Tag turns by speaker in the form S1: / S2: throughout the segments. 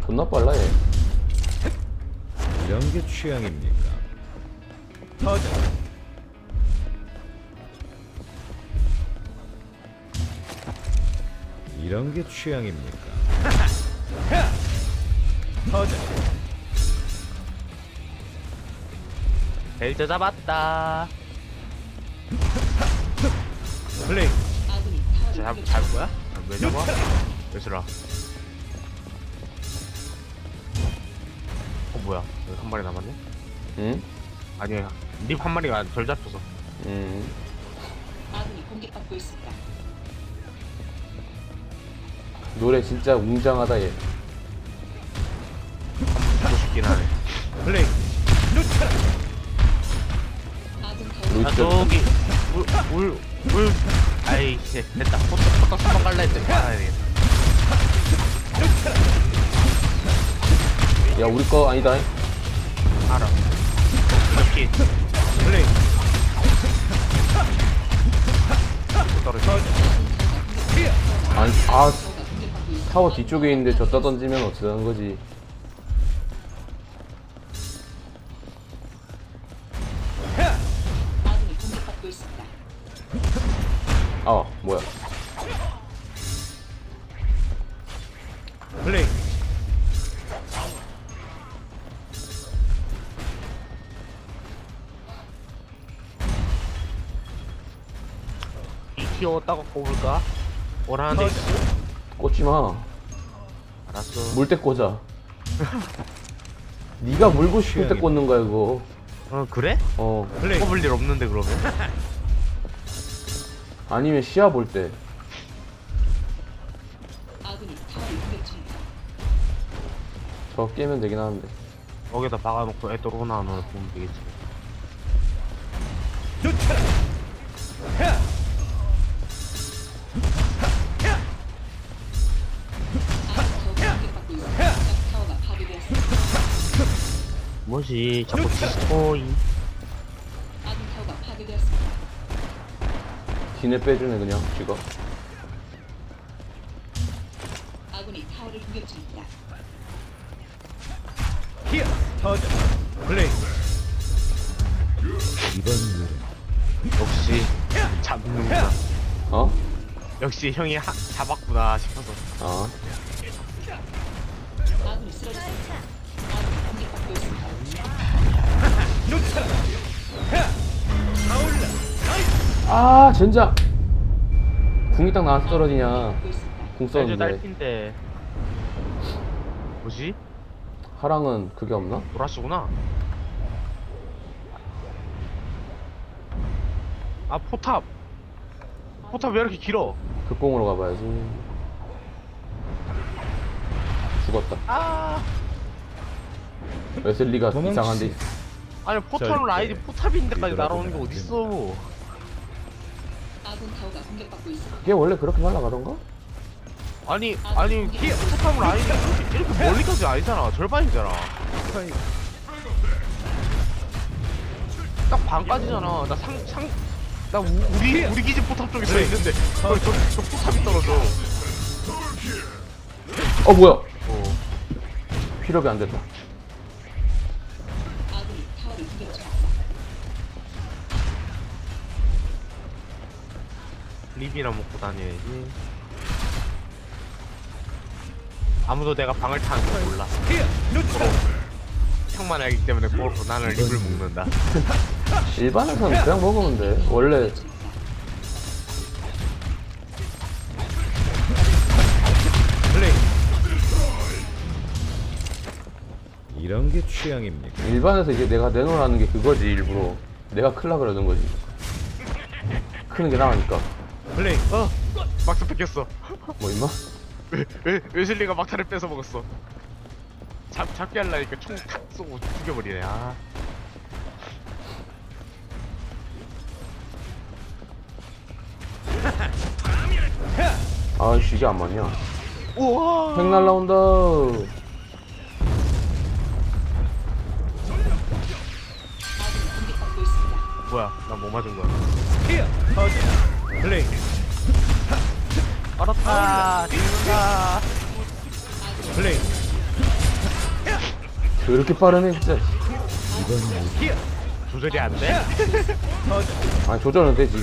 S1: 존나 빨라 얘.
S2: 이런 게 취향입니까? 터져. 이런 게 취향입니까? 터져.
S3: 벨저 잡았다.
S2: 플레이.
S3: 잡을 거야? 왜 잡아? 왜 쓰라? 뭐야? 여기 한 마리 남았네?
S1: 응?
S3: 아니, 립 한 마리가 덜 잡혀서.
S4: 아군이 공격받고 있습니다.
S1: 노래 진짜 웅장하다 얘.
S3: 죽고 싶긴 하네.
S2: 플레이.
S4: 아군 타워
S3: 아,
S1: 루이스.
S3: 저기, 물. 아이씨, 됐다. 포터 수만 갈라 했더니 말아야 되겠다.
S1: 야 우리 거 아니다.
S3: 알아. 이렇게
S2: 플레이.
S3: 떨어져.
S1: 아니 타워 뒤쪽에 있는데 졌다 던지면 어쩌자는 거지.
S4: 아군이 공격받고 있습니다.
S1: 아 뭐야.
S2: 플레이.
S3: 이 키웠다가 꼽을까? 원하는데 있어.
S1: 꽂지마.
S3: 알았어.
S1: 물때 꽂아. 네가 물고 싶을 때 꽂는 거야 이거.
S3: 그래?
S1: 어
S2: 플레이.
S3: 꼽을 일 없는데 그러면?
S1: 아니면 시야 볼 때.
S4: 아군이 타워를 공격 중입니다.
S1: 저 깨면 되긴 하는데.
S3: 거기다 박아놓고 애 들어오나 안 오나 보면 되겠지.
S4: 아군 타워가 공격받고 있습니다. 적 타워가 파괴되었습니다.
S3: 뭐지? 자꾸 디스코이.
S4: 아군 타워가 파괴되었습니다.
S1: 기내 빼주네 그냥 지가.
S4: 아군이 타워를 공격 중입니다.
S2: 히어. 터져. 플레이. 이번 노래.
S3: 역시 잡는구나.
S1: 어?
S3: 역시 형이 잡았구나 싶어서.
S1: 아
S4: 아군이 쓰러졌습니다. 아군이 공격받고 있습니다.
S1: 아 젠장. 궁이 딱 나와서 떨어지냐.
S4: 공격받고 있습니다.
S1: 궁
S3: 벨저
S1: 썼는데.
S3: 딸핀데. 뭐지?
S1: 하랑은 그게 없나?
S3: 보라스구나. 아 포탑. 포탑 왜 이렇게 길어?
S1: 극공으로 가봐야지. 죽었다.
S3: 아.
S1: 웨슬리가
S2: 도망치.
S1: 이상한데.
S3: 아니 포탑
S2: 절대
S3: 라인이 포탑인데까지
S2: 뒤돌아보면
S3: 날아오는 게
S2: 안
S3: 어딨어?
S4: 아군 타워가 공격받고 있습니다.
S1: 그게 원래 그렇게 날아가던가?
S3: 아니 포탑 라인이 이렇게 멀리까지 아니잖아. 절반이잖아. 딱 반까지잖아. 나 우리 기지 포탑 쪽에 서 있는데 저 포탑이 떨어져.
S1: 어 뭐야?
S3: 어.
S1: 필업이 안 됐다.
S4: 아군이 타워를 공격 중입니다.
S3: 립이나 먹고 다녀야지. 아무도 내가 방을 타는 거 몰라. 형만 알기 때문에 그렇고 나는 립을 먹는다.
S1: 일반에서는 그냥 먹으면 돼. 원래
S2: 플레이. 이런 게 취향입니까?
S1: 일반에서 이제 내가 내놓으라는 게 그거지 일부러. 내가 클라 그러는 거지. 크는 게 나으니까.
S2: 플레이.
S3: 막스 뺏겼어.
S1: 뭐 임마?
S3: 웨슬리가 막타를 뺏어 먹었어. 잡게 하려니까 총 탁 쏘고 죽여버리네. 아.
S1: 아이씨 이게 안 맞냐?
S3: 우와.
S1: 핵 날라온다.
S4: 아군이 공격받고 있습니다.
S3: 뭐야? 나 뭐 맞은 거야?
S2: 히어. 터져. 플레이.
S3: 알았다. 죽는다.
S2: 플레이.
S1: 그렇게 빠르네 진짜.
S3: 조절이 안 돼?
S1: 아니 조절은 되지.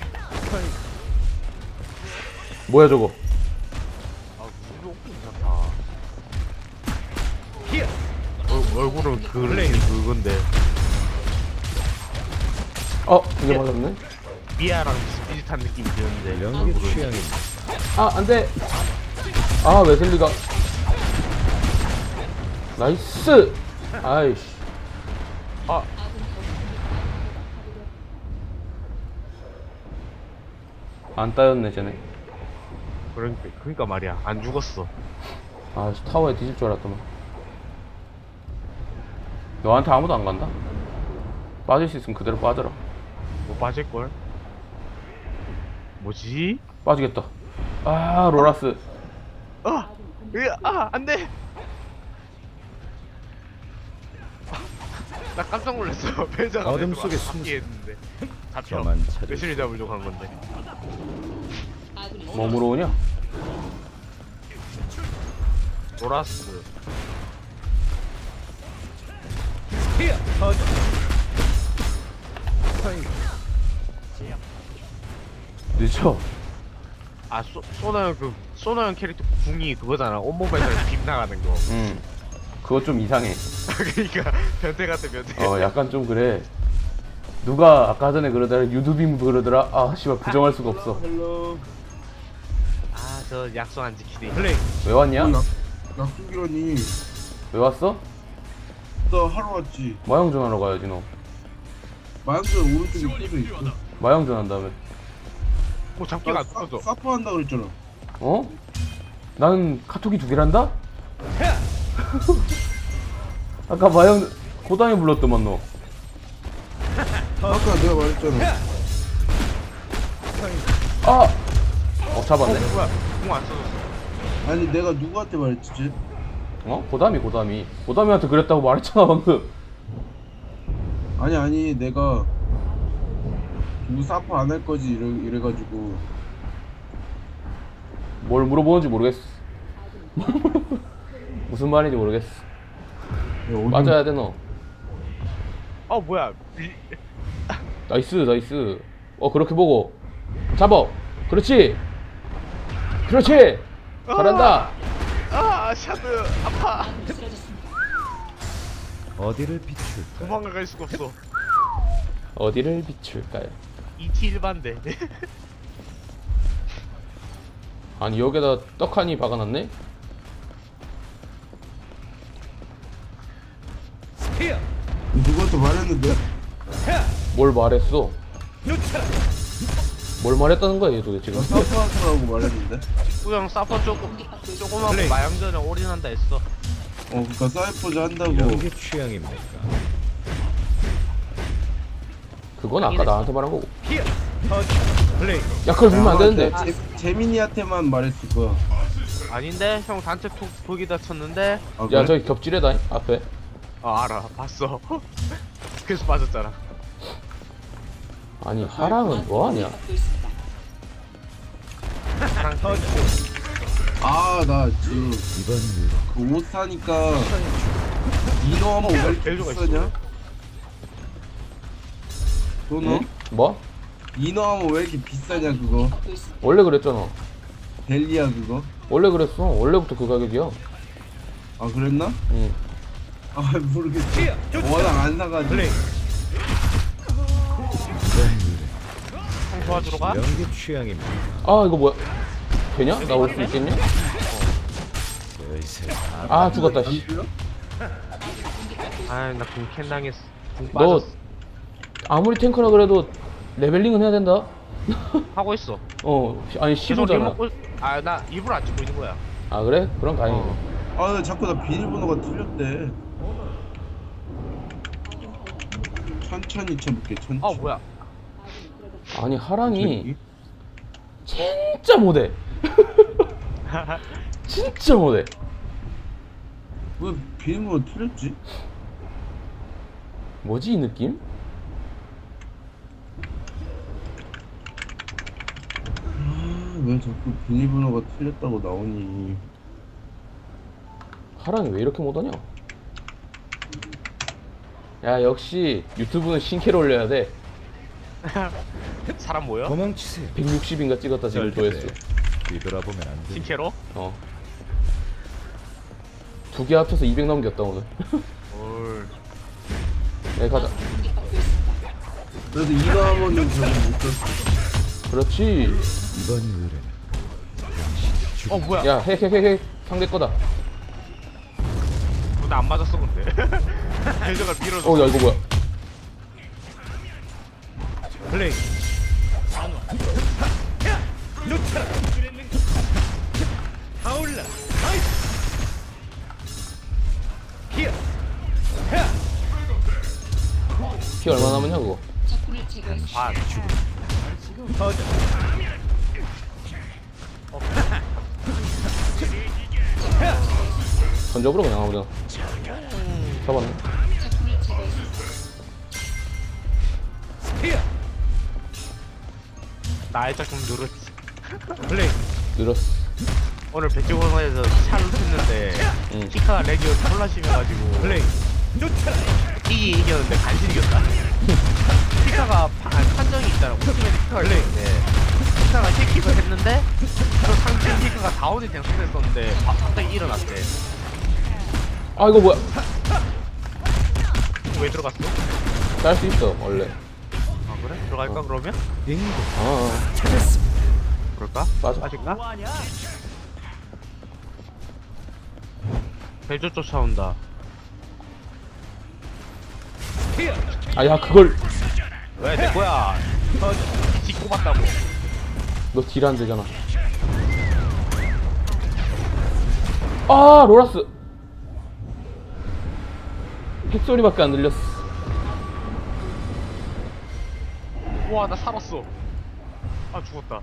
S1: 뭐야 저거?
S3: 아 무슨 괜찮다. 얼굴은 그건데
S1: 이게 맞았네.
S3: 미아랑 비슷한 느낌이 드는데
S2: 이런 게
S3: 얼굴은.
S2: 취향입니다.
S1: 안돼. 웨슬리가. 나이스. 아이씨.
S3: 아
S1: 안 따였네 쟤네.
S3: 그러니까 말이야 안 죽었어.
S1: 타워에 뒤질 줄 알았더만. 너한테 아무도 안 간다. 빠질 수 있으면 그대로 빠져라.
S3: 못 빠질걸? 뭐지?
S1: 빠지겠다. 로라스.
S3: 안돼. 나 깜짝 놀랐어. 벨저가
S2: 어둠
S3: 내
S2: 속에
S3: 숨기 했는데 잡혀.
S2: 저만 찾을
S3: 매실이 잡으려고 한 건데.
S4: 아군이
S1: 몸으로 오냐?
S3: 로라스.
S1: 늦어.
S3: 소나형 캐릭터 궁이 그거잖아. 온몸에서 빔 나가는 거.
S1: 그거 좀 이상해.
S3: 그러니까 변태 같은 변태.
S1: 약간 좀 그래. 누가 아까 전에 그러더라. 유두빔 그러더라. 씨발 부정할 수가 없어.
S3: 저 약속 안 지키네.
S2: 플레이.
S1: 왜 왔냐?
S5: 약속이라니.
S1: 왜 왔어?
S5: 나 하러 왔지.
S1: 마영전 하러 가야지 너.
S5: 마약전 오른쪽에 꽂혀 있어.
S1: 마영전 한다며.
S3: 잡기가 안 터져.
S5: 사퍼 한다 그랬잖아.
S1: 나는 카톡이 2개란다? 아까 마영 고담이 불렀더만 너.
S5: 아까 내가 말했잖아.
S1: 잡았네.
S3: 뭐야? 궁 안 써졌어.
S5: 아니 내가 누구한테 말했지?
S1: 고담이한테 그랬다고 말했잖아 방금.
S5: 아니 내가 누구 사퍼 안 할 거지 이래가지고.
S1: 뭘 물어보는지 모르겠어. 무슨 말인지 모르겠어. 맞아야 돼 너.
S3: 뭐야?
S1: 나이스. 그렇게 보고 잡아. 그렇지. 잘한다.
S3: 샤드 아파.
S4: 아군이 쓰러졌습니다.
S2: 어디를 비출까?
S3: 도망갈 수가 없어.
S1: 어디를 비출까요?
S3: ET 일반대.
S1: 아니 여기다 떡하니 박아놨네?
S5: 누구한테 말했는데?
S1: 뭘 말했어? 뭘 말했다는 거야 얘 도대체
S5: 나
S1: 지금?
S5: 사퍼 하라고 말했는데.
S3: 그냥 사퍼
S4: 공격받고 있습니다.
S3: 조그맣고
S2: 플레이.
S3: 마양전에 올인한다 했어.
S5: 그니까 사이퍼즈 한다고.
S2: 이런 게 취향입니까?
S1: 그건 아까 나한테 말한 거고.
S2: 플레이.
S1: 야 그걸 보면 안 되는데.
S5: 재민이한테만 말했을 거야.
S3: 아닌데? 형 단체 톡 거기다 쳤는데?
S5: 아,
S1: 야
S5: 그래?
S1: 저기 겹질에다 앞에.
S3: 알아 봤어. 그래서 빠졌잖아.
S1: 아니 하랑은 뭐하냐?
S4: 공격받고 있습니다.
S5: 나 지금
S2: 이번 일
S5: 그 옷 사니까 이너 하면 왜 이렇게
S3: 벨조가
S5: 비싸냐? 도너?
S1: 응? 뭐?
S5: 이너 하면 왜 이렇게 비싸냐 그거?
S4: 공격받고 있습니다.
S1: 원래 그랬잖아.
S5: 델리야 그거?
S1: 원래 그랬어. 원래부터 그 가격이야.
S5: 아 그랬나?
S1: 응.
S5: 모르겠어. 워낙 안 사가지고.
S2: 플레이.
S3: 형 도와주러 가?
S2: 이런 게 취향입니다.
S1: 이거 뭐야? 되냐? 나 올 수 있겠냐?
S2: 요새
S1: 죽었다 씨.
S3: 나궁 캔 당했어. 궁
S1: 너
S3: 빠졌어.
S1: 아무리 탱커라 그래도 레벨링은 해야 된다.
S3: 하고 있어.
S1: 아니
S3: 계속
S1: 15잖아.
S3: 리모컨. 나 일부러 안 찍고 있는 거야.
S1: 그래? 그럼 다행이네.
S5: 나 자꾸 나 비밀번호가 틀렸대. 천천히 쳐볼게 천천히.
S3: 뭐야?
S1: 아니 하랑이 진짜 못해. 진짜 못해.
S5: 왜 비밀번호 틀렸지?
S1: 뭐지 이 느낌?
S5: 왜 자꾸 비밀번호가 틀렸다고 나오니?
S1: 하랑이 왜 이렇게 못하냐? 야 역시 유튜브는 신캐로 올려야 돼.
S3: 사람 모여?
S2: 도망치세요.
S1: 160인가 찍었다 지금 조회수.
S2: 뒤돌아보면 안 돼.
S3: 신캐로?
S1: 어. 두 개 합쳐서 200 넘겼다 오늘.
S3: 올.
S1: 네 가자.
S4: 공격받고 있습니다.
S5: 그래도 이거 하면은 저는 못 떴어.
S1: 그렇지.
S2: 이번 의뢰는
S3: 어 뭐야?
S1: 야 핵 상대 거다.
S3: 나 안 맞았어 근데. 대저가 밀어줘.
S1: 어 야 이거 뭐야?
S2: 플레이. 놓쳐라. 타올라. 나이스. 히어.
S1: 피 얼마 남았냐 그거?
S4: 적군을 제거했습니다.
S3: 아
S2: 터져.
S1: 던져버려 그냥 아무데나. 잡았네.
S4: 적군을 제거했습니다.
S2: 히어.
S3: 나의 작품 누르지.
S2: 플레이.
S1: 늘었어.
S3: 오늘 백종원에서 샤를 했는데
S1: 응.
S3: 키카가 렉이 졸라 심해가지고
S2: 플레이. 놓쳐라.
S3: 이겼는데 간신히 이겼다. 키카가 판정이 있잖아. ultimate 키카가 있는데 키카가 힐킥을 했는데 그 상대 키카가 다운이 된 상태였었는데 갑자기 일어났대.
S1: 아 이거 뭐야?
S3: 왜 들어갔어?
S1: 짤 수 있어 원래.
S3: 아 그래? 들어갈까 그러면?
S2: 빙고.
S1: 아
S2: 찾았습니다.
S3: 그럴까?
S1: 맞아.
S3: 빠질까? 배조 쫓아온다.
S2: 히어.
S1: 아야 그걸
S3: 왜 내 거야? 뒷고 봤다고.
S1: 너 딜 안 되잖아. 아 로라스. 핵소리밖에 안 들렸어.
S3: 우와 나 살았어. 아 죽었다.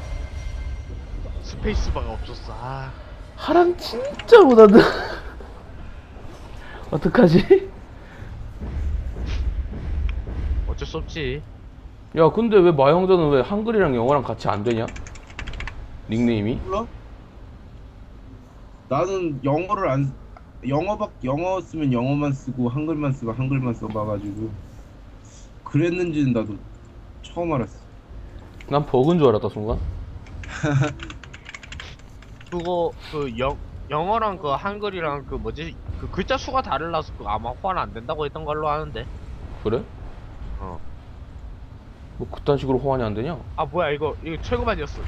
S3: 스페이스바가 없었어. 아
S1: 하랑 진짜 못한다. 어떡하지?
S3: 어쩔 수 없지.
S1: 야 근데 왜 마형전은 왜 한글이랑 영어랑 같이 안 되냐? 닉네임이?
S5: 몰라? 나는 영어를 안 영어 쓰면 영어만 쓰고 한글만 쓰고 한글만 써봐가지고 그랬는지는 나도 처음 알았어.
S1: 난 버그인 줄 알았다 순간.
S3: 그거 그 영어랑 그 한글이랑 그 뭐지 그 글자 수가 다르라서 그 아마 호환 안 된다고 했던 걸로 아는데.
S1: 그래?
S3: 어.
S1: 뭐 그딴 식으로 호환이 안 되냐?
S3: 아 뭐야 이거 최고반이었어.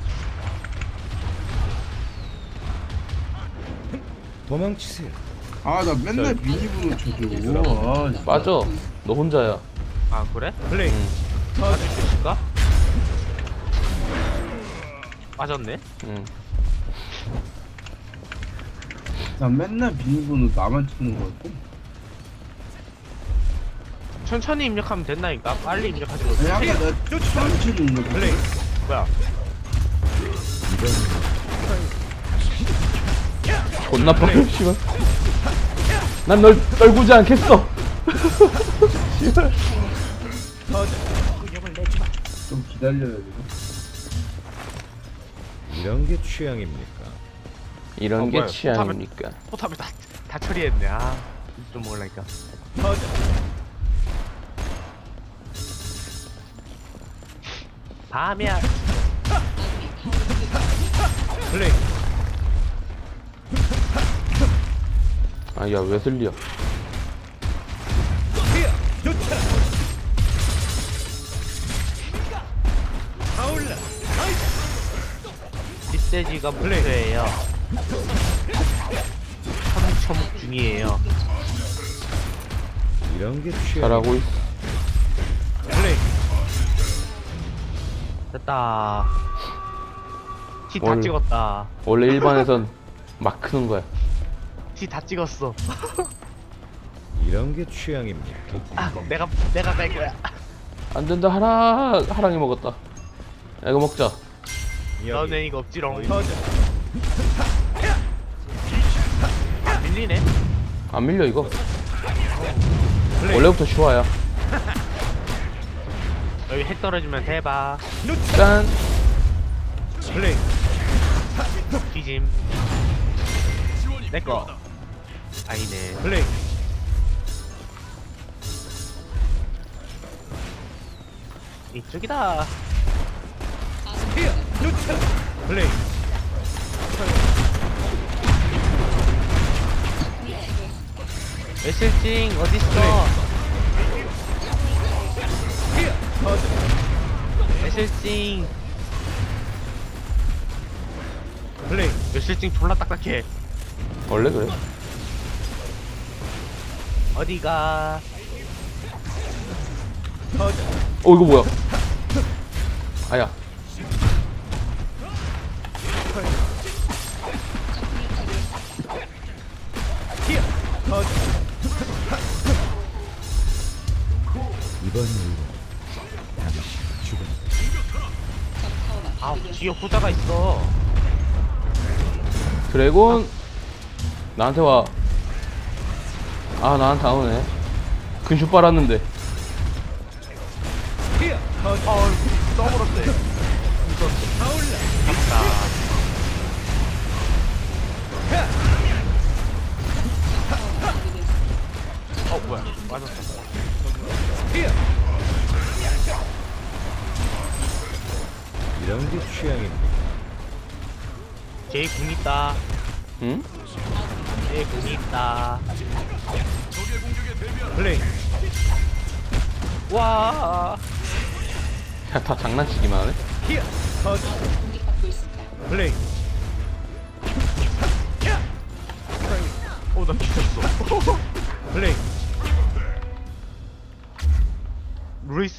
S2: 도망치세요.
S5: 아 나 맨날 미니분을 쳐줘. 아, 진짜.
S1: 빠져. 너 혼자야.
S3: 아 그래?
S2: 플레이.
S1: 응.
S3: 빠질 수 있을까? 빠졌네.
S1: 응.
S5: 나 맨날 비밀번호 나만 치는 거 같고.
S3: 천천히 입력하면 된다니까. 빨리 입력하지 마.
S5: 아니 아까 나 전체 있는 거
S2: 플레이.
S3: 뭐야?
S1: 존나 빠져 씨발. 난 널 떨구지 않겠어. 씨발.
S5: 좀 기다려야 돼.
S2: 이런 게 취향입니까?
S1: 이런 게
S3: 뭐야,
S1: 취향입니까?
S3: 포탑을 다 처리했네. 아, 좀 먹으려니까.
S2: 터져.
S3: 밤이야.
S2: 플레이.
S1: 아야 웨슬리야.
S2: 히어. 놓쳐라. 타올라. 나이스.
S3: 뒷돼지가 목표예요. 처묵처묵 중이에요.
S2: 이런 게 취향.
S1: 잘하고 있어.
S2: 플레이.
S3: 됐다. 티 다
S1: 뭘.
S3: 찍었다.
S1: 원래 일반에선 막 크는 거야.
S3: 티 다 찍었어.
S2: 이런 게 취향입니까?
S3: 아, 내가 뺄 거야.
S1: 안 된다 하랑이 먹었다. 야, 이거 먹자.
S3: 너네 이거 없지롱.
S2: 터져.
S3: 아, 밀리네.
S1: 안 밀려 이거.
S2: 플레이.
S1: 원래부터 슈아야.
S3: 여기 핵 떨어지면 대박.
S1: 짠.
S2: 플레이.
S3: 뒤짐. 내꺼. 아니네.
S2: 플레이.
S3: 이쪽이다.
S2: 플레이.
S3: 애실징 어딨어? 애실징.
S2: 플레이.
S3: 애실징 졸라 딱딱해.
S1: 원래 그래.
S3: 어디가?
S1: 어 이거 뭐야? 아야.
S2: 이번 일은 당신 죽음.
S3: 아 뒤에 후자가 있어.
S1: 드래곤 나한테 와. 아 나한테 안 오네. 근슈 빨았는데.
S3: 써버렸대. 잡다. 뭐야? 맞았어.
S2: 이런 게 취향입니다.
S3: 제이 궁 있다.
S1: 응?
S3: 제이 궁 있다.
S2: 플레이.
S3: 와.
S1: 야, 다 장난치기만 하네.
S4: 공격받고 있습니다.
S2: 플레이.
S3: 나 미쳤어.
S2: 플레이.
S3: 루이스